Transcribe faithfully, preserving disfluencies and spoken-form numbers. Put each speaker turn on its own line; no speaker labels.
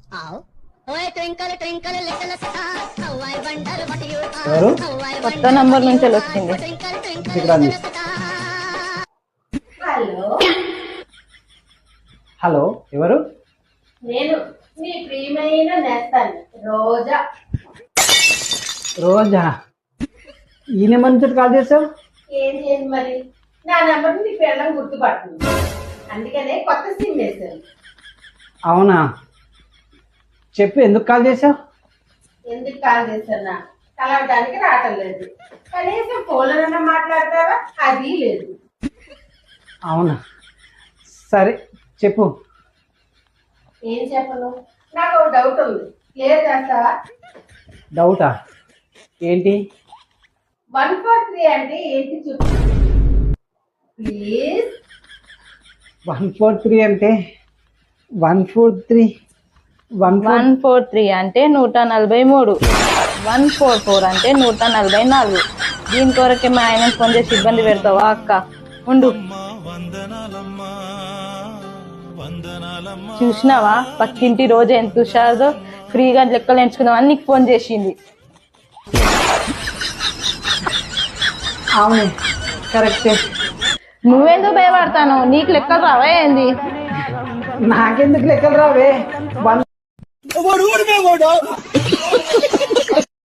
ఎవరు?
కొత్త నంబర్ నుంచి వచ్చింది.
హలో
హలో, ఎవరు?
నేను మీ ప్రియమైన నేస్తాను రోజా.
రోజా? ఈ నెంబర్ నుంచి కాల్ చేసావు?
ఏం చేయండి మరి, నా నెంబర్ నీ పిల్లలు గుర్తుపడుతుంది, అందుకనే కొత్త సిమ్ వేశాను.
అవునా, చెప్పు, ఎందుకు కాల్ చేసావు?
ఎందుకు కాల్ చేస్తున్నా, కలవడానికి రావటం లేదు, కనీసం ఫోన్లోనన్నా మాట్లాడతావా, అది లేదు.
అవునా, సరే చెప్పు.
ఏం చెప్పను, నాకు ఒక డౌట్ ఉంది, క్లియర్ చేస్తావా?
డౌటా? ఏంటి?
వన్ ఫోర్ త్రీ అంటే ఏంటి చెప్పు ప్లీజ్.
వన్ ఫోర్ త్రీ అంటే one four three one
one four three అంటే నూట నలభై మూడు, వన్ ఫోర్ ఫోర్ అంటే నూట నలభై నాలుగు. దీని కొరకే మా ఆయన ఫోన్ చేసి ఇబ్బంది పెడతావా అక్క? ఉండు. చూసినావా పక్కింటి రోజు ఎంత హుషారో, ఫ్రీగా లెక్కలు ఎంచుకుందాం అని నీకు ఫోన్ చేసింది.
అవును, కరెక్టే.
నువ్వెందుకు భయపడతాను? నీకు లెక్కలు రావా ఏంది?
నాకెందుకు లెక్కలు రావే? వన్